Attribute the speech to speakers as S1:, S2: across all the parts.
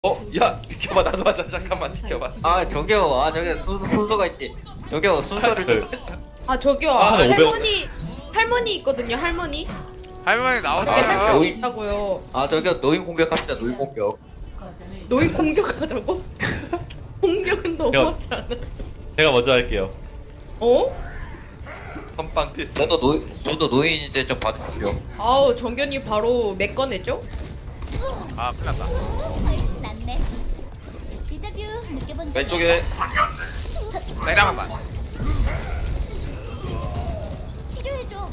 S1: 야 비켜봐 나도 하자 잠깐만 비켜봐.
S2: 아 저기요, 아 저기 순서가 있지. 저기요, 순서를 좀.
S3: 아 저기요
S1: 아, 네,
S3: 할머니 있거든요 할머니
S4: 할머니
S3: 밖에
S4: 나오세요.
S3: 할머니
S2: 노인.
S3: 있다고요.
S2: 아 저기요, 노인 공격합시다. 노인 공격.
S3: 노인 공격하자고? 공격은 너무하지 않아?
S5: 제가 먼저 할게요.
S3: 어?
S1: 선빵 필수.
S2: 저도 노인인데 좀 봐주십시오.
S3: 아우 정견이 바로 맥 꺼냈죠?
S4: 아 큰일났다.
S6: 훨씬 낫네. 디자뷰 느껴본 적
S1: 왼쪽에
S4: 내려만.
S6: 치료해줘.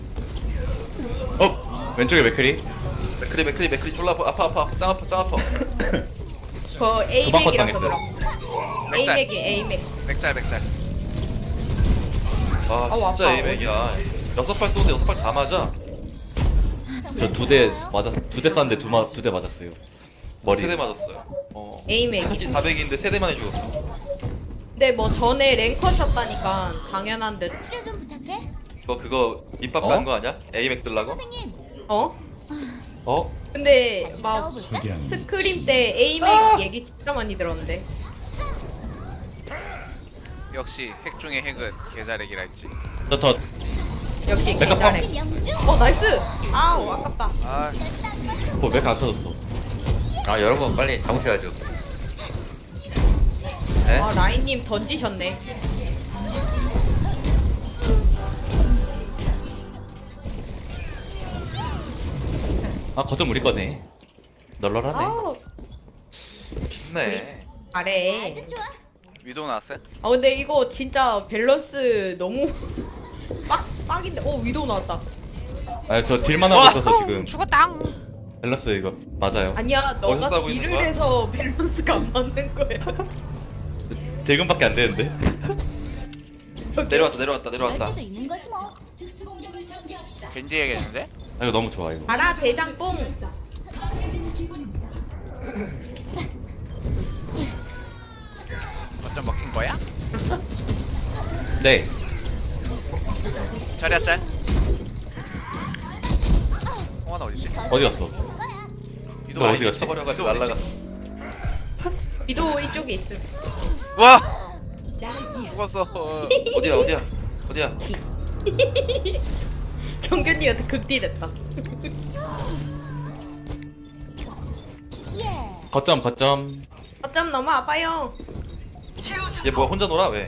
S5: 왼쪽에 맥크리.
S1: 맥크리 졸라 아파 짱 아파.
S3: 저
S5: 도망
S3: A맥이라
S5: 당했어요.
S3: 그러더라고.
S4: 맥짤.
S3: A맥이 A맥.
S4: 맥짤.
S1: 아
S3: 아우,
S1: 진짜
S3: 아파.
S1: 에이맥이야. 6발 쏘는데 6발 다 맞아.
S5: 저 두 대 쐈는데 두 대 맞았어요. 머리.
S1: 3대 맞았어요.
S3: A맥이.
S1: 하기 400인데 3대만에 죽었어.
S3: 근데 뭐 전에 랭커셨다니까 당연한 듯.
S6: 치료 좀 부탁해.
S1: 그거 입밥
S5: 어?
S1: 가는 거 아니야? 에이맥 들라고?
S6: 선생님.
S3: 어?
S5: 어?
S3: 근데
S6: 다시
S3: 막
S6: 싸워볼까?
S3: 스크림 때 A맥 얘기 진짜 많이 들었는데.
S4: 역시 핵 중의 핵은 계좌렉이라 했지.
S5: 저
S3: 역시
S5: 맥카
S3: 개잘해.
S6: 명중.
S3: 나이스. 아우 아깝다.
S4: 아
S5: 맥안 터졌어.
S2: 아 여러분 빨리 잡으셔야죠. 네?
S3: 아 라인님 던지셨네.
S5: 아 거점 우리 거네. 널널하네.
S3: 아우
S1: 좋네.
S3: 잘해.
S6: 아주 좋아.
S4: 위도 나왔어요?
S3: 아 근데 이거 진짜 밸런스 너무 빡인데. 위도우 나왔다.
S5: 저 딜만 하고 있어서 지금
S4: 죽었당.
S5: 밸런스 이거 맞아요.
S3: 아니야
S1: 어디서
S3: 너가
S1: 싸우고 있는
S3: 딜을
S1: 거야?
S3: 해서 밸런스가 안 맞는 거야.
S5: 딜금밖에 안 되는데.
S1: 내려왔다.
S6: 그럴 때도 있는 거지 뭐.
S4: 겐지 얘기했는데?
S5: 아 이거 너무 좋아 이거.
S3: 가라 대장뽕.
S4: 어쩜 먹힌 거야?
S5: 네.
S4: 자리야 짤. 나 어디지?
S5: 어디 갔어?
S4: 위도
S5: 너
S4: 어디
S5: 어디 갔지?
S1: 쳐버려가지고
S4: 위도 어디지?
S1: 날라갔어.
S3: 위도우 이쪽에 있음.
S4: 와 죽었어.
S1: 어디야?
S3: 정균이한테 극딜했다.
S6: 예.
S5: 거점.
S3: 어쩜 너무 아파요.
S1: 얘 뭐야 혼자 놀아 왜?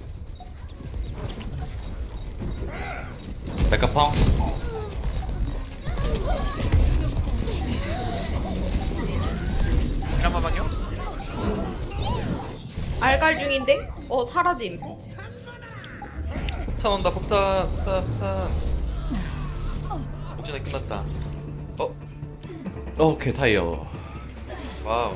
S5: 맥카펑.
S4: 잠깐만요.
S3: 알갈 중인데? 사라짐.
S1: 폭탄 온다 폭탄. 옥전에 끝났다.
S5: 오케이 타이어.
S1: 와우.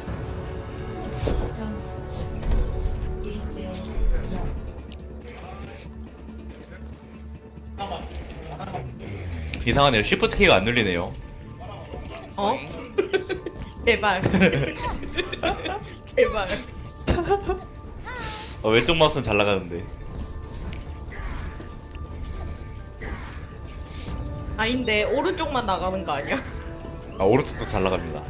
S5: 이상하네요. 시프트 키가 안 눌리네요.
S3: 제발. 제발.
S5: 왼쪽 마우스는 잘 나가는데.
S3: 아닌데 오른쪽만 나가는 거 아니야?
S5: 아 오른쪽도 잘 나갑니다.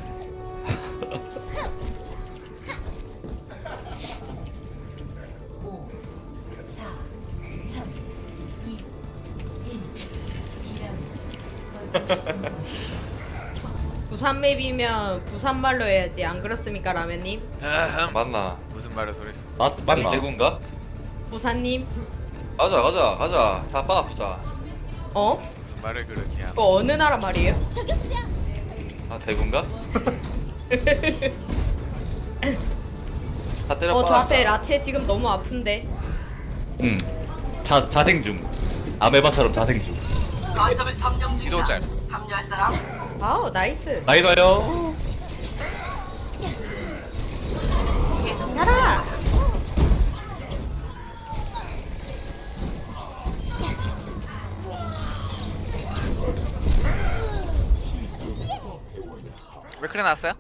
S3: 부산 맵이면 부산 말로 해야지 안 그렇습니까 라면님?
S1: 맞나?
S4: 무슨 말을 소리했어?
S5: 맞나?
S1: 대구인가?
S3: 부산님?
S1: 가자. 다 빠아보자.
S4: 무슨 말을 그렇게 하나?
S3: 그거 어느 나라 말이에요?
S6: 저격수야.
S1: 아 대구인가? 다 때려
S3: 저 앞에
S1: 빠아.
S3: 라체 지금 너무 아픈데.
S5: 응. 자생 중. 아메바처럼 자생 중.
S4: 위도 짤.
S3: 아우 나이스.
S5: 나이다요.
S3: 가라.
S4: 왜 그래 나왔어요?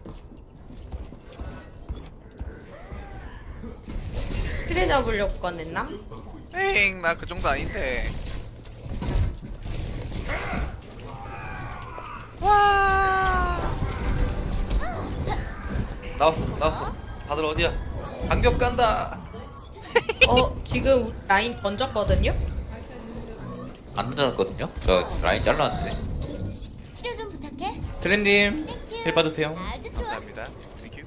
S3: 트레 잡으려고 꺼냈나?
S4: 에잉 나 그 정도 아닌데. 와.
S1: 나왔어. 다들 어디야? 강력 간다.
S3: 지금 라인 던졌거든요?
S2: 안 던졌거든요? 저 라인 잘랐는데.
S6: 치료 좀 부탁해.
S5: 트렌님
S6: 땡큐.
S5: 힐 받으세요.
S6: 아주 좋아.
S4: 감사합니다. 땡큐.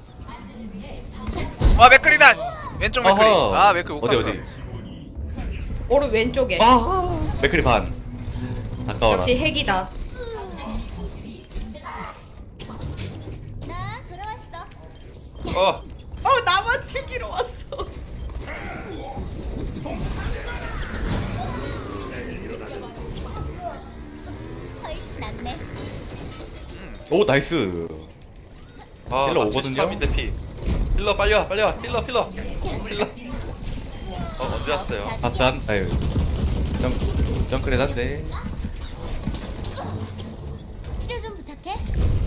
S4: 와 맥클이다. 왼쪽 맥클이.
S5: 어허.
S4: 아 맥클 못
S5: 어디
S4: 봤어.
S5: 어디?
S3: 오른 왼쪽에.
S5: 맥크리 반. 아까워라.
S3: 역시 핵이다.
S6: 나 돌아왔어.
S3: 나만 죽이러 왔어.
S6: 훨씬 낫네.
S5: 오 나이스.
S1: 아,
S5: 힐러
S1: 나
S5: 오거든요?
S1: 73인데 피. 힐러 빨리 와. 힐러. 언제 왔어요?
S5: 바산 아유. 정크레단데.
S6: 치료 좀 부탁해.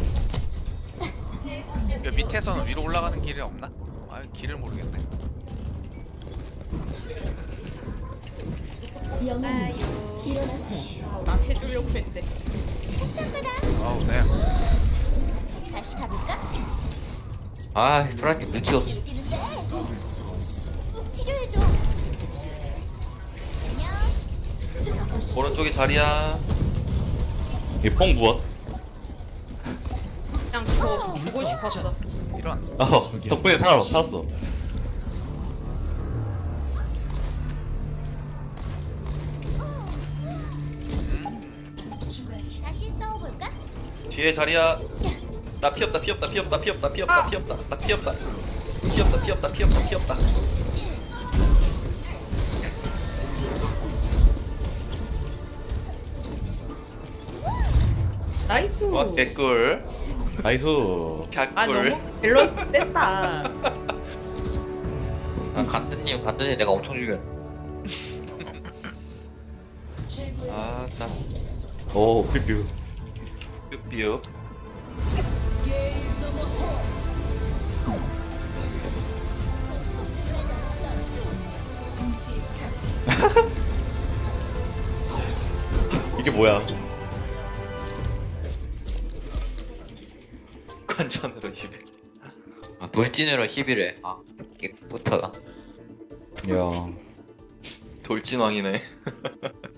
S4: 야, 밑에서는 위로 올라가는 길이 없나? 아 길을 모르겠네.
S6: 영웅 일어나세요.
S3: 낚시 주려고 했는데.
S6: 땅바닥.
S4: 아우 네.
S6: 다시 가볼까?
S2: 아, 프라이팬 눈치 없어.
S6: 뛰는데. 치료해줘. 안녕.
S1: 오른쪽에 자리야.
S5: 이뽕 무엇?
S3: 그냥 그거 보고 싶었어.
S4: 이런.
S5: 덕분에 살았어.
S6: 다시 싸워볼까?
S1: 뒤에 자리야. 나 피 없다. 나 피 없다.
S3: 나이스.
S1: 와, 개꿀.
S5: 나이스.
S1: 갓꿀.
S3: 너무 밸런스 셌다.
S2: 간드님 내가 엄청 죽여.
S1: 아, 나
S5: 오 삐삐.
S1: 뷰뷰.
S5: 이게 뭐야?
S1: 관전으로 200.
S2: 아, 돌진으로 11회. 아, 깨끗하다.
S5: 야.
S1: 돌진왕이네.